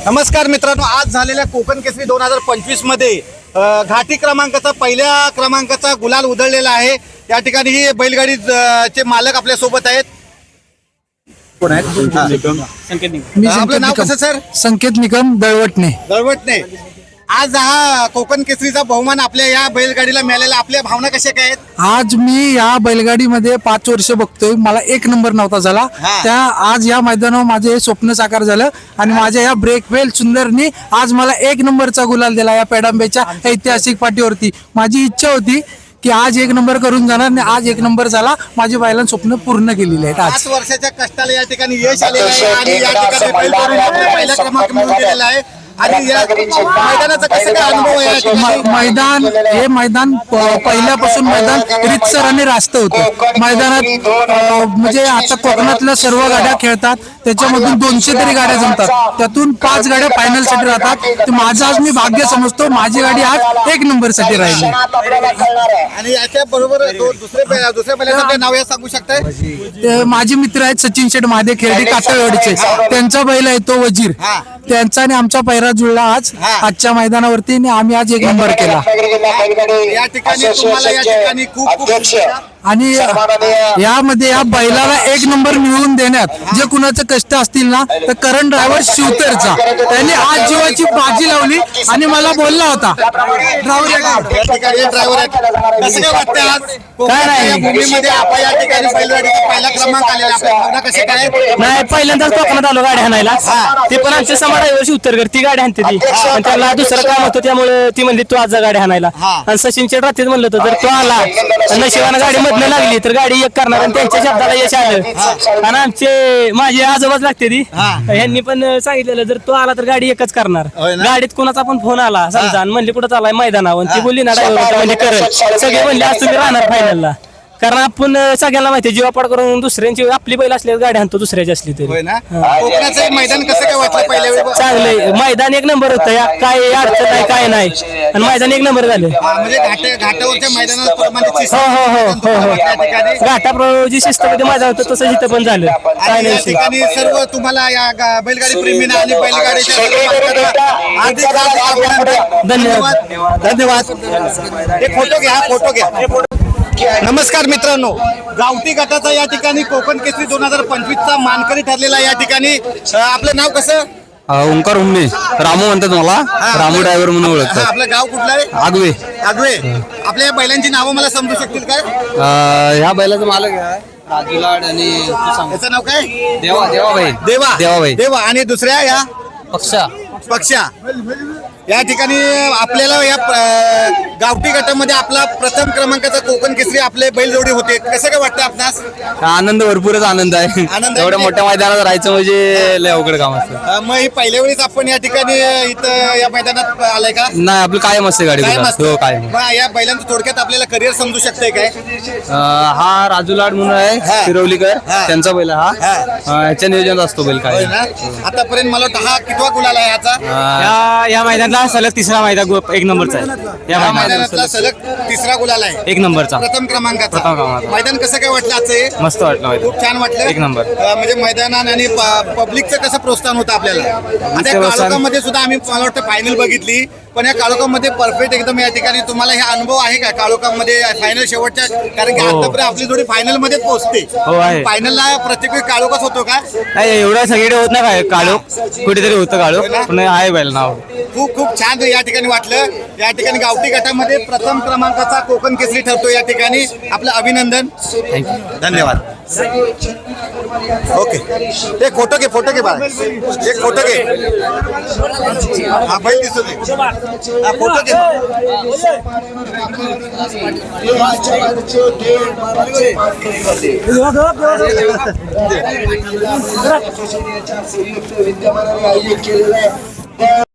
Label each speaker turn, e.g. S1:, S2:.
S1: नमस्कार मित्रांनो, आज झालेल्या कोकण केसरी 2025 मध्ये घाटी क्रमांकाचा पहिल्या क्रमांकाचा गुलाल उधळलेला आहे। या ठिकाणी ही बैलगाडी चे मालक आपल्या सोबत आहेत। कोण आहेत? आपलं नाव कसं सर?
S2: संकेत निकम दळवटने।
S1: आज हा कोकण केसरीचा बहुमान आपल्या या बैलगाडीला मिळालेला, आपल्या भावना कशा काय आहेत?
S2: आज मी या बैलगाडीमध्ये 5 वर्ष बघतोय, मला 1 नंबर नव्हता झाला। त्या आज या मैदानावर माझे स्वप्न साकार झालं आणि माझ्या या ब्रेकवेल सुंदरनी आज मला 1 नंबरचा गुलाल दिला या पेडांबेच्या ऐतिहासिक पाठीवरती। माझी इच्छा होती की आज 1 नंबर करून जाणार आणि आज 1 नंबर झाला। माझे बैलांनी स्वप्न पूर्ण केलेले आहेत।
S1: 5 वर्षाच्या कष्टाला या ठिकाणी यश आलेलं आहे आणि या ठिकाणी बैलगाडी पहिला क्रमांक मिळवून दिलेला आहे। आणि या मैदानाचा कसा काय अनुभव आहे?
S2: मैदान पहिल्यापासून मैदान रितसर आणि रास्त होतं। मैदानात म्हणजे आता कोकणातल्या सर्व गाड्या खेळतात, त्याच्यामधून 200 तरी गाड्या जमतात, त्यातून 5 गाड्या फायनल साठी राहतात। तर माझं आज मी भाग्य समजतो, माझी गाडी आज 1 नंबर साठी राहिली।
S1: आणि याच्या बरोबर दुसऱ्या बैलाचं नाव या सांगू शकताय?
S2: माझे मित्र आहेत सचिन शेठ महादेव खेळडी कातळवाडीचे, त्यांचा बैल आहे तो वजीर। त्यांचा आणि आमचा पैरा जुळला आज आजच्या मैदानावरती आणि आम्ही आज 1 नंबर केला।
S1: या ठिकाणी तुम्हाला या ठिकाणी खूप
S2: आणि यामध्ये या बैलाला 1 नंबर मिळवून देण्यात जे कुणाचं कष्ट असतील ना, तर करण ड्रायव्हर शिवतरचा, त्यांनी आज जीवाची बाजी लावली आणि मला बोलला होता
S3: काय नाही, पहिल्यांदाच कोकणात आलो गाडी हाणायला। ते पण आमच्या समाजाशी उत्तर कर ती गाडी हाणते ती, पण त्याला दुसरं काम होतं त्यामुळे ती म्हणली तू आज गाडी हाणायला। आणि सचिनच्या रात्रीच म्हणलं होतं जर तो आला नशिबानं गाडी मधनं लागली तर गाडी 1 करणार आणि त्यांच्या शब्दाला यश आलं। आणि आमचे माझे आजोबाच लागते ती, ह्यांनी पण सांगितलेलं जर तो आला तर गाडी 1च करणार। गाडीत कोणाचा पण फोन आला समजा आणि म्हणली कुठं चालाय मैदानावर, ती बोलली ना ड्रायव्हर म्हणजे कर, सगळे म्हणले आज तुम्ही राहणार फायनलला। कारण आपण सगळ्यांना माहिती जीवापाड करून दुसऱ्यांची आपली बैल असली गाडी आणतो दुसऱ्याची असली तरी।
S1: कोकणाचं मैदान कसं काय वाटलं पहिल्या वेळी?
S3: चांगलंय मैदान, 1 नंबर होतं या, काय अडचण नाही काय नाही, आणि मैदान 1 नंबर झालं।
S1: म्हणजे घाटावरच्या मैदानात
S3: हो घाटाप्रमाणे जी शिस्तमध्ये मैदान होतं तसं इथं पण झालं, काय नाही
S1: ठिकाणी सर्व तुम्हाला या बैलगाडी प्रेमींना आणि बैलगाडीच्या धन्यवाद। एक फोटो घ्या। नमस्कार मित्रांनो, गावठी गटाचा या ठिकाणी कोकण केसरी 2025चा मानकरी ठरलेला या ठिकाणी। आपलं नाव कसं?
S4: ओंकार उम्मे, रामू म्हणतात मला, रामू ड्रायव्हर म्हणून ओळखतात।
S1: आपलं गाव कुठलं आहे?
S4: आगवे।
S1: आपल्या या बैलांची नावं मला समजू शकतील काय?
S4: ह्या बैलाचं मालक आहे राजूलाड आणि
S1: त्याचं नाव काय?
S4: देवाबाई।
S1: देवा आणि दुसऱ्या या पक्षा। या ठिकाणी आपल्याला या गावठी गटामध्ये आपला प्रथम क्रमांकाचा कोकण केसरी आपले बैलजोडी होते, कसं काय वाटतं आपणास?
S4: आनंद, भरपूरच आनंद आहे। एवढ्या मोठ्या मैदानात राहायचं म्हणजे लय अवघड काम असतं।
S1: मग ही पहिल्या वेळेस आपण या ठिकाणी इथं या मैदानात आलाय का?
S4: नाही, आपलं कायम असते गाडी।
S1: मग या बैलांचं थोडक्यात आपल्याला करिअर समजू शकतंय काय?
S4: हा राजूलाड म्हणून आहे शिरवलीकर, त्यांचा बैल हा, ह्याच्या नियोजनात असतो बैल काय।
S1: आतापर्यंत मला वाटतं हा कितवा गुलाल आहे याचा?
S3: या मैदानातला सलग 3रा मैदान 1 नंबरचा आहे।
S1: या मैदानातला सलग 3रा गुलाल आहे,
S3: 1 नंबरचा,
S1: प्रथम क्रमांकाचा। मैदान कसं काय वाटलं आजचं?
S3: मस्त वाटलं,
S1: खूप छान वाटलं,
S3: 1 नंबर।
S1: म्हणजे मैदानात आणि पब्लिकचं कसं प्रोत्साहन होतं आपल्याला? आता काळोखामध्ये सुद्धा आम्ही मला वाटतं फायनल बघितली, पण या काळोखामध्ये परफेक्ट एकदम या ठिकाणी तुम्हाला हे अनुभव आहे का काळोखामध्ये फायनल शेवटच्या? कारण की आतापर्यंत आपली जोडी फायनल मध्ये पोहोचते, फायनलला प्रत्येक वेळी काळोखाच होतो का?
S3: नाही, एवढं सगळीकडे होत नाही काळोख, कुठेतरी होतं काळोख, पण आहे बैल नाव।
S1: खूप छान या ठिकाणी वाटलं। या ठिकाणी गावठी गटामध्ये प्रथम क्रमांकाचा कोकण केसरी ठरतो, या ठिकाणी आपलं अभिनंदन, धन्यवाद। ओके, एक फोटो घे बाळा, एक फोटो घे। हा बैल दिसतो ते, हा फोटो घे। विद्यमानाने आयोजित केलेलं आहे।